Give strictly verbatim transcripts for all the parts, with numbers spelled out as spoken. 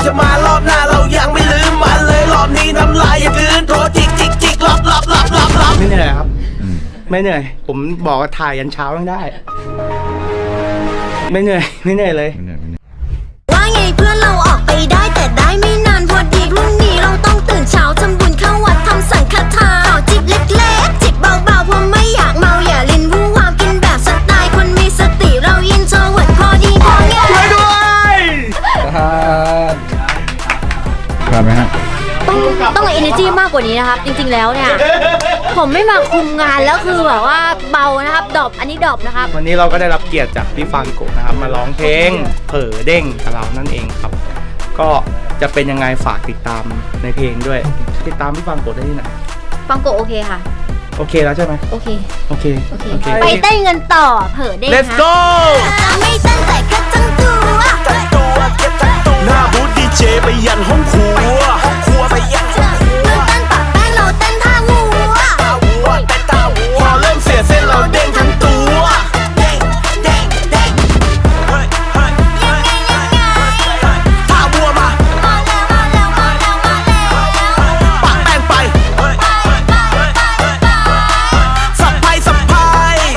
จะมารอบหน้าเรายังไม่ลืมมันเลยรอบนี้น้ำลายอย่าคืนโทรจิกจิกจิกลับลับลับลับลับไม่เหนื่อยครับไม่เหนื่อยผมบอกว่าถ่ายยันเช้ายังได้ไม่เหนื่อยไม่เหนื่อยเลยว่าไงเพื่อนเราออกไปได้แต่ได้ไม่นานพอดีพรุ่งนี้เราต้องตื่นเช้าทำบุญเข้าวัดทำสังฆทานขอจิบเล็กๆจิบเบาๆเพราะไม่อยากเมาอย่าลิ้นวู่วามกินแบบสไตล์คนมีสติเราอินโทรเวิร์ดพอดีพอง่ายช่วยด้วยผ่านไหมฮะต้องต้องมี energy มากกว่านี้นะครับจริงๆแล้วเนี่ยผมไม่มาคุมงานแล้วคือแบบว่าเบานะครับดรอปอันนี้ดรอปนะครับวันนี้เราก็ได้รับเกียรติจากพี่ฟังโกะนะครับมาร้องเพลงเผลอเด้งกับเรานั่นเองครับก็จะเป็นยังไงฝากติดตามในเพลงด้วยติดตามพี่ฟังโกะได้ที่ไหนฟังโกะโอเคค่ะโอเคแล้วใช่ไหมโอเคโอเคโอเคไปเต้นกันต่อเผลอเด้ง Let's go ไม่เต้นแต่แค่ทั้งตัวทั้งตัวแค่ทั้งตัวหน้าบูธดีเจไปยันห้องครัวห้องครัวไปยันห้องครัวเต้นปะแป้งเราเต้นท่าวัวท่าวัวเต้นท่าวัวพอเริ่มเสียเส้นเราเด้งทั้งตัวเด้งเด้งเด้งเฮ้ยเฮ้ยยังไงยังไงท่าวัวมามาแล้วมาแล้วมาแล้วมาแล้วปะแป้งไปเฮ้ยสับไพ่สับไพ่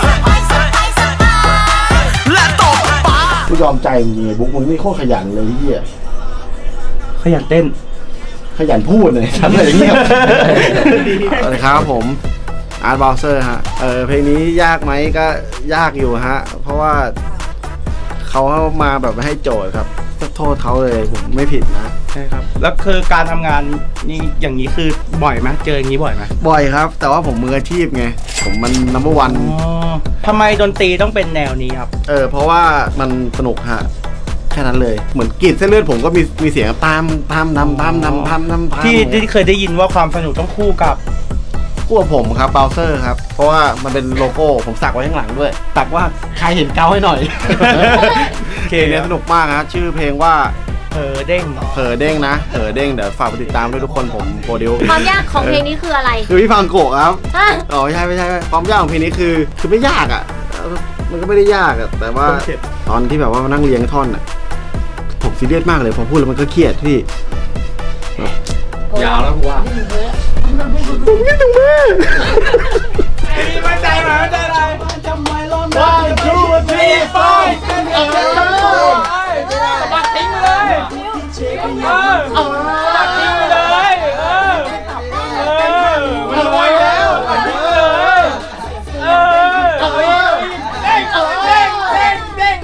และตบปากูยอมใจจริงๆบุ๊กมึงนี่โคตรขยันเลยพี่อ่ะขยันเต้นขยันพูดเลยทำอะไรอย่างเงี้ยสวัสดีครับผมอาร์ตบอลเซอร์ฮะเออเพลงนี้ยากไหมก็ยากอยู่ฮะเพราะว่าเขามาแบบไม่ให้โจทย์ครับก็โทษเขาเลยผมไม่ผิดนะใช่ครับแล้วคือการทำงานนี่อย่างนี้คือบ่อยไหมเจออย่างนี้บ่อยไหมบ่อยครับแต่ว่าผมมืออาชีพไงผมมันนัมเบอร์วันทำไมดนตรีต้องเป็นแนวนี้ครับเออเพราะว่ามันสนุกฮะแค่นั้นเลยเหมือนกรีดเส้นเลือดผมก็มีมีเสียงตามตามนำตามนำตามนำที่ที่เคยได้ยินว่าความสนุกต้องคู่กับคู่กับผมครับเบลเซอร์ครับเพราะว่ามันเป็นโลโก้ผมสักไว้ข้างหลังด้วยสักว่าใครเห็นเกาให้หน่อยเพลงนี้สนุกมากนะชื่อเพลงว่าเผลอเด้งเผลอเด้งนะเผลอเด้งเดี๋ยวฝากไปติดตามด้วยทุกคนผมโปรดิวความยากของเพลงนี้คืออะไรคือพี่ฟังโกะครับอ๋อไม่ใช่ไม่ใช่ความยากของเพลงนี้คือคือไม่ยากอ่ะมันก็ไม่ได้ยากอ่ะแต่ว่าตอนที่แบบว่ามานั่งเรียงท่อนอ่ะผมซีเรียสมากเลยพอพูดแล้วมันก็เครียดพี่ยาวแล้วกูว่าผมคิดถึงแม่มั่นใจไหมมั่นใจอะไรจำไว้ล้อมได้ชูทีไฟเออปัดทิ้งเลยเออปัดทิ้งเลยเออเออมันรวยแล้วปัดทิ้งเลยเออเด้งเด้งเด้งเด้ง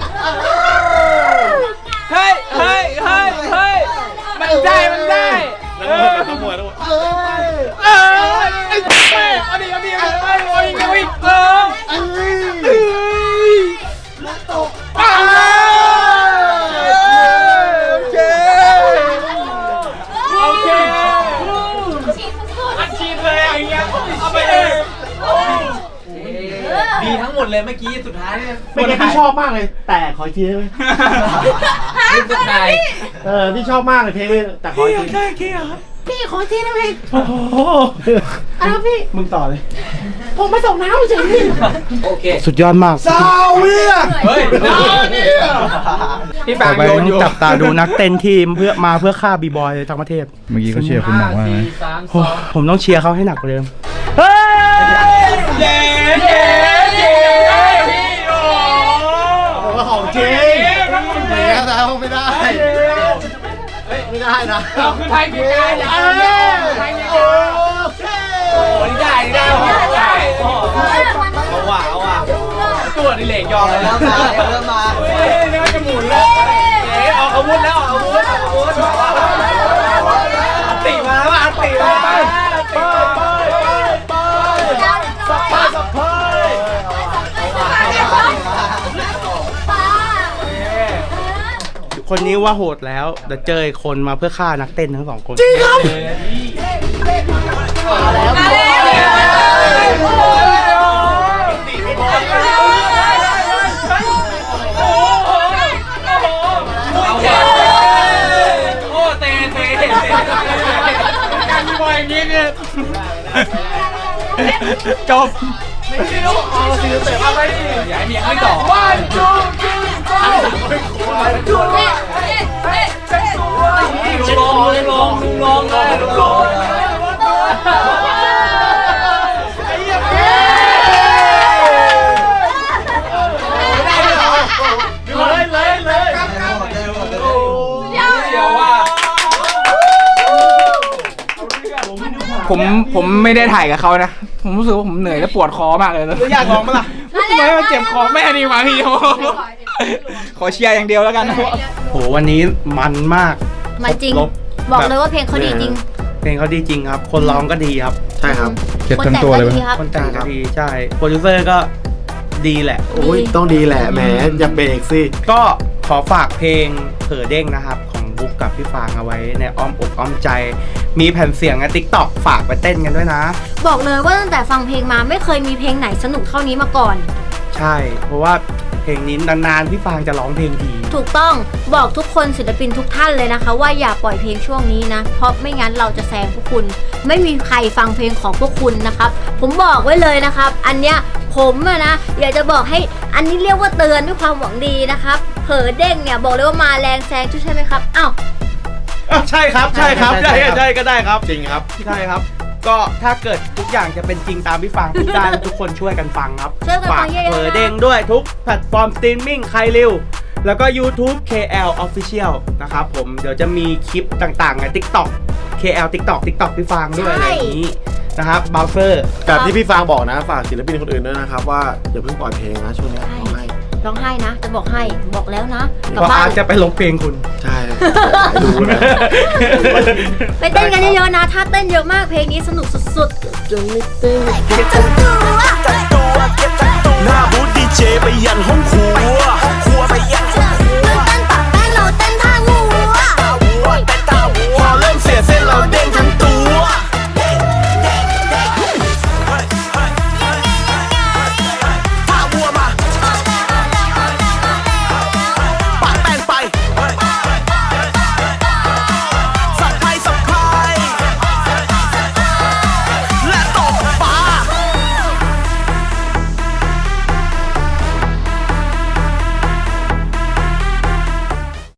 เฮ้ยเฮ้ยเฮ้ยเฮ้ยมันได้มันได้เออขโมยแล้วเออเออไอ้แม่เอาดิเอาดิเอาดิเอาดิเอาดิเออเอ้ยแล้วตกอ้าวโอเคโอเคอัดฉีดเลยอย่างเงี้ยเอาไปเลยดีทั้งหมดเลยเมื่อกี้สุดท้ายเนี่ยเมื่อกี้พี่ชอบมากเลยแต่ขออีกทีได้ไหมสุดท้ายเออพี่ชอบมากเลยเพลงนี้แต่ขออีกทีได้แค่ครับพี่ขอทีได้ไหมโอ้โหอ้าวพี่มึงต่อเลยผมไปส่งน้ำเฉยพี่โอเคสุดยอดมากซาเวียเฮ้ยซาเวียพี่แปงโยนอยู่จับตาดูนักเต้นทีมเพื่อมาเพื่อฆ่าบีบอยทั้งประเทศเมื่อกี้เขาเชียร์คุณหนักว่าไงผมต้องเชียร์เขาให้หนักกว่าเดิมเฮ้ยเย้เย้เย้พี่โอ้ผมว่าของจริงเดี๋ยวเราไม่ได้ไม่ได้นะเราคือไทยพี่ได้เลยโอเคโอ้ยได้ได้ได้เอาว่ะเอาว่ะตัวนี่เหล็กยอมเลยแล้วมาเริ่มมาเฮ้ยนี่มันจะหมุนแล้วเอ๋ออกอาวุธแล้วออกอาวุธออกอาวุธติมาแล้วอันติมาไปไปไปไปสับไปสับไปคนนี้ว่าโหดแล้วแต่เจอคนมาเพื่อฆ่านักเต้นทั้งสองคนจริงครับมาแล้วมาโอ้เตะเตะเตะการมีบอยอย่างนี้เนี่ยจบไม่ใช่ลูกเอาสิเตะมาไปดิอย่าให้เมียไม่ต่อวันจูจูจูวันจูเตะเตะเตะผมผมไม่ได้ถ่ายกับเขานะ ผมรู้สึกว่าผมเหนื่อยและปวดคอมากเลยนะอยากลองมั้ยล่ะทำไมมันเจ็บคอแม่ดีมาพี่ขอเชียร์อย่างเดียวแล้วกันโหวันนี้มันมากมันจริงคบบอกเลยว่าเพลงเขาดีจริงเพลงเขาดีจริงครับ คนร้องก็ดีครับใช่ครับเก็บทั้งตัวเลยคนไหมแต่งก็ดีครับคนแต่งก็ดีใช่โปรดิวเซอร์ก็ดีแหละโอ้ยต้องดีแหละแหมอย่าเบรกสิก็ขอฝากเพลงเผลอเด้งนะครับ ของบุ๊กกับพี่ฟางเอาไว้ในอ้อมอกอ้อมใจ มีแผ่นเสียงในติ๊กต็อกฝากไปเต้นกันด้วยนะบอกเลยว่าตั้งแต่ฟังเพลงมาไม่เคยมีเพลงไหนสนุกเท่านี้มาก่อนใช่ เพราะว่าเพลงนี้นานๆพี่ฟางจะร้องเพลงทีถูกต้องบอกทุกคนศิลปินทุกท่านเลยนะคะ ว่าอย่าปล่อยเพลงช่วงนี้นะ เพราะไม่งั้นเราจะแซงพวกคุณ ไม่มีใครฟังเพลงของพวกคุณนะครับ ผมบอกไว้เลยนะครับ อันเนี้ยผมอะนะอยากจะบอกให้อันนี้เรียกว่าเตือนด้วยความหวังดีนะครับเผลอเด้งเนี่ยบอกเลยว่ามาแรงแซงใช่ไหมครับอ้าวใช่ครับใช่ครับใช่ใช่ก็ได้ครับจริงครับใช่ครับ ก็ถ้าเกิดทุกอย่างจะเป็นจริงตามพี่ฟางพูดได้ ทุกคนช่วยกันฟังครับช่วยกันฟังเยอะๆนะเผลอเด้งด้วยทุกแพลตฟอร์มสตรีมมิ่งใครเร็วแล้วก็ YouTube เค แอล Official นะครับผมเดี๋ยวจะมีคลิปต่างๆใน TikTok เค แอล TikTok TikTok พี่ฟางด้วยอะไรอย่างนี้นะครับเบราว์เซอร์กับที่พี่ฟางบอกนะฝากศิลปินคนอื่นด้วยนะครับว่าอย่าเพิ่งปล่อยเพลงนะช่วงนี้ร้องไห้ร้องไห้นะ จะบอกให้บอกแล้วนะกลับเพราะบ้าอาน จจะไปลงเพลงคุณใช่ดูนะไปเต้นกันเยอะๆนะถ้าเต้นเยอะมากเพลงนี้สนุกสุดจะไม่เต้นจังตัวหน้าบูธดีเจไปยันห้องครัว